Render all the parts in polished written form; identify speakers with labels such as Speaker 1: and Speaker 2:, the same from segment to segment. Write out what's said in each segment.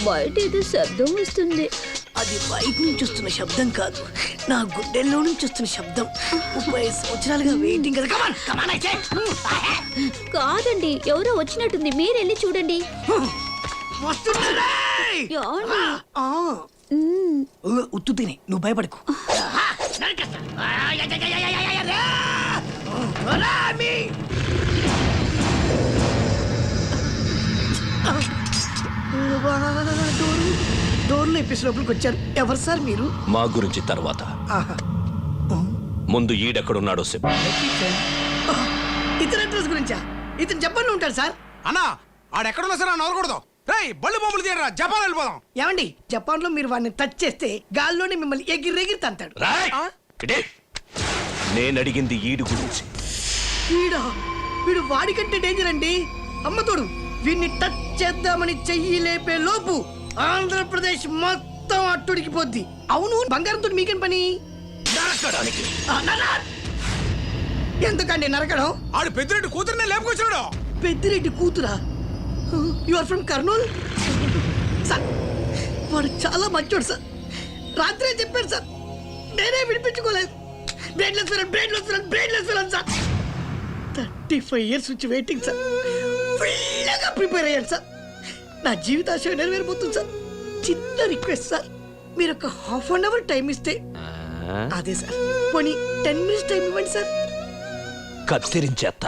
Speaker 1: బయట ఏదో శబ్దం వస్తుంది.
Speaker 2: అది బయట నుంచి వస్తున్న శబ్దం కాదు, నా గుండెల్లో నుంచి వస్తున్న శబ్దం. 30 సంవత్సరాలుగా వెయిటింగ్ కదా. కమాన్ కమాన్ అయితే.
Speaker 1: కాదండి, ఎవరో వచ్చినట్టుంది, మీరెళ్ళి చూడండి.
Speaker 2: వస్తున్నారే.
Speaker 1: ఏమండి?
Speaker 2: ఉత్తు తిని నువ్వు భయపడకు. డోర్లు ఎప్పిసినప్పటికి వచ్చారు. ఎవరు సార్ మీరు?
Speaker 3: మా గురించి తర్వాత, ముందు ఈడెక్కడున్నాడో చెప్పు.
Speaker 2: ఇతని అడ్రస్ గురించా? ఇతను జపాన్ లో ఉంటాడు సార్.
Speaker 4: అన్నా ఆడెక్కడున్నా సరే నవ్వకూడదు. రేయ్ బళ్ళు బొమ్మలు తీయరా, జపాన్ వెళ్ళిపోదాం.
Speaker 2: ఏమండి, జపాన్ లో మీరు వాడిని టచ్ చేస్తే గాల్లోనే మిమ్మల్ని ఎగిరెగిరి తంతాడు.
Speaker 3: నేను అడిగింది ఈడు గురించి.
Speaker 2: వీడు వాడికంటే డేంజర్ అండి. అమ్మతోడు వీడిని టచ్ చేద్దామని చెయ్యి లేపే లోపు ఆంధ్రప్రదేశ్ మొత్తం అట్టుడికి పోద్ది. అవును, బంగారంతో మీకేం పని? ఎందుకండి నరకడం?
Speaker 4: ఆడు పెద్దిరెడ్డి కూతురునే లేపుకొచ్చాడు.
Speaker 2: పెద్దిరెడ్డి కూతురా? You are from Kurnool? Sir వాడు చాలా మంచోడు సార్. రాత్రే చెప్పాడు సార్, నేనే విడిపించుకోలేదు. Brainless villain sir. 35 years నుంచి వెయిటింగ్ సార్. ఫుల్గా ప్రిపేర్ అయ్యాను సార్. నా జీవితాశయం నెరవేరిపోతుంది సార్. చిన్న రిక్వెస్ట్ సార్, మీరు ఒక ½ టైం ఇస్తే. అదే సార్, పోనీ 10 minutes టైం ఇవ్వండి సార్.
Speaker 3: కత్తిరించేత్తా.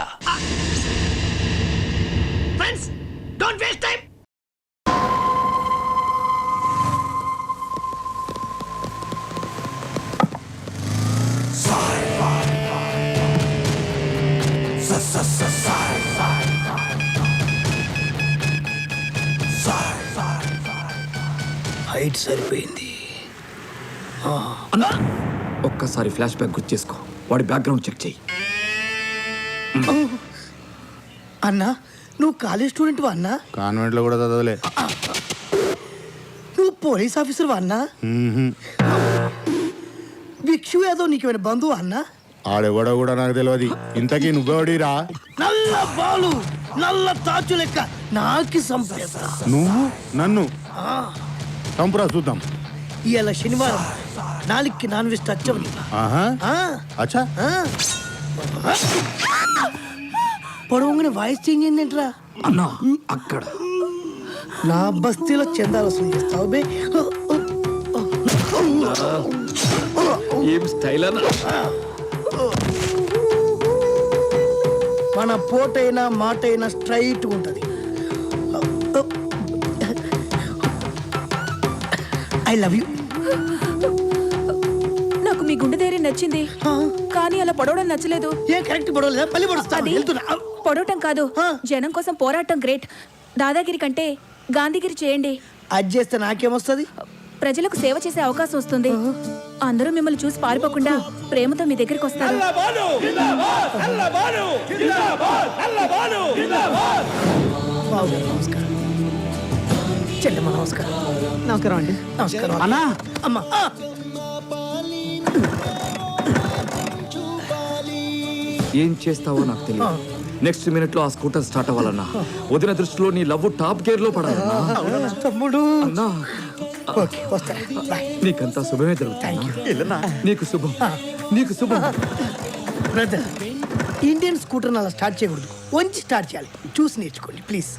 Speaker 2: Friends, don't waste time. Height సరిపోయింది.
Speaker 5: ఒక్కసారి ఫ్లాష్ బ్యాక్ గుర్తు చేసుకో, వాడి బ్యాక్గ్రౌండ్ చెక్ చెయ్యి.
Speaker 2: అన్నా, నువ్వు కాలేజ్ స్టూడెంట్ వా అన్నా?
Speaker 4: కాన్వెంట్ లో కూడా చదవలే.
Speaker 2: నువ్వు పోలీస్ ఆఫీసర్ వా అన్నా? భిక్షు యాదవ్ నీకేమైనా బంధువు అన్నా?
Speaker 4: ఆడెవడో కూడా నాకు తెలియదు. ఇంతకీ నువ్వెవడిరా?
Speaker 2: నల్ల బాలు, నల్ల తాచు లెక్క నాకి సంపేస్తా.
Speaker 4: నువ్వు నన్ను చంపురా చూద్దాం.
Speaker 2: ఇవాళ శనివారం, నాలుగుకి నాన్ వెజ్ టచ్ అవ్వని.
Speaker 4: అచ్చా,
Speaker 2: పొడవుగానే వాయిస్ చేంజ్ అయిందేంట్రా?
Speaker 5: అన్నా అక్కడ
Speaker 2: నా బస్తీలో చందాలు వసూలు చేస్తావు బే.
Speaker 5: ఏం స్టైల్ అన్నా?
Speaker 2: మన పోటైనా మాటైనా స్ట్రైట్ ఉంటది. I love you.
Speaker 6: నాకు మీ గుండె ధైర్యం నచ్చింది, కానీ అలా పొడవడం నచ్చలేదు.
Speaker 2: ఏ కరెక్ట్ పొడవలేదా? పల్లి పొడుస్తాను.
Speaker 6: పొడవటం కాదు, జనం కోసం పోరాటం గ్రేట్. దాదాగిరి కంటే గాంధీగిరి చేయండి.
Speaker 2: అది చేస్తే నాకేమొస్తుంది?
Speaker 6: ప్రజలకు సేవ చేసే అవకాశం వస్తుంది. అందరూ మిమ్మల్ని చూసి పారిపోకుండా ప్రేమతో మీ దగ్గరికి వస్తారు.
Speaker 2: నమస్కారం చెల్లెమ్మ. నమస్కారం. నమస్కారం అండి. నమస్కారం అన్నా. అమ్మా,
Speaker 5: ఏం చేస్తావో నాకు తెలియదు. నెక్స్ట్ మినిట్ లో ఆ స్కూటర్ స్టార్ట్ అవ్వాలన్నా. వదిన దృష్టిలో నీ లవ్ టాప్ గేర్ లో పడాలన్నా.
Speaker 2: తమ్ముడు
Speaker 5: అన్నా, నీకంతా శుభమే జరుగుతుంది. నీకు శుభం, నీకు శుభం.
Speaker 2: బ్రదర్, ఇండియన్ స్కూటర్ అలా స్టార్ట్ చేయకూడదు, వంచి స్టార్ట్ చేయాలి. చూసి నేర్చుకోండి ప్లీజ్.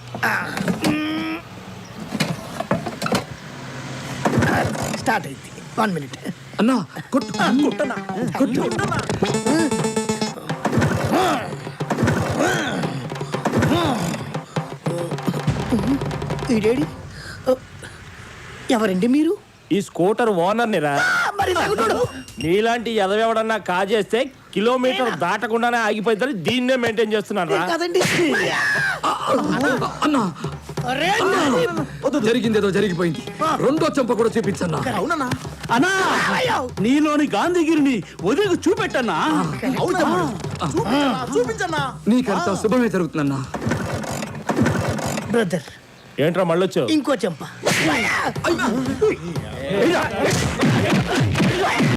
Speaker 2: స్టార్ట్ అయింది. 1 minute.
Speaker 5: అన్నా కొట్టు కొట్టనా, కొట్టు.
Speaker 2: ఈడేడి? ఎవరండి మీరు?
Speaker 7: ఈ స్కూటర్ ఓనర్ నిరా.
Speaker 2: మరి
Speaker 7: నీలాంటి ఎదవెవడన్నా కాజేస్తే కిలోమీటర్ దాటకుండానే ఆగిపోయిందని దీన్నే మెయింటైన్ చేస్తున్నాను.
Speaker 2: కాదండి.
Speaker 5: అన్నా జరిగిందేదో జరిగిపోయింది. రెండో చెంప కూడా చూపించన్నా.
Speaker 7: అవునన్నా. అన్నా, నీలోని గాంధీగిరిని వదిలికి చూపెట్టన్నా. చూపించన్నా.
Speaker 5: నీకంతా శుభమే జరుగుతుందన్నా.
Speaker 2: బ్రదర్,
Speaker 7: ఏంట్రా మళ్ళొచ్చు?
Speaker 2: ఇంకో చెంప.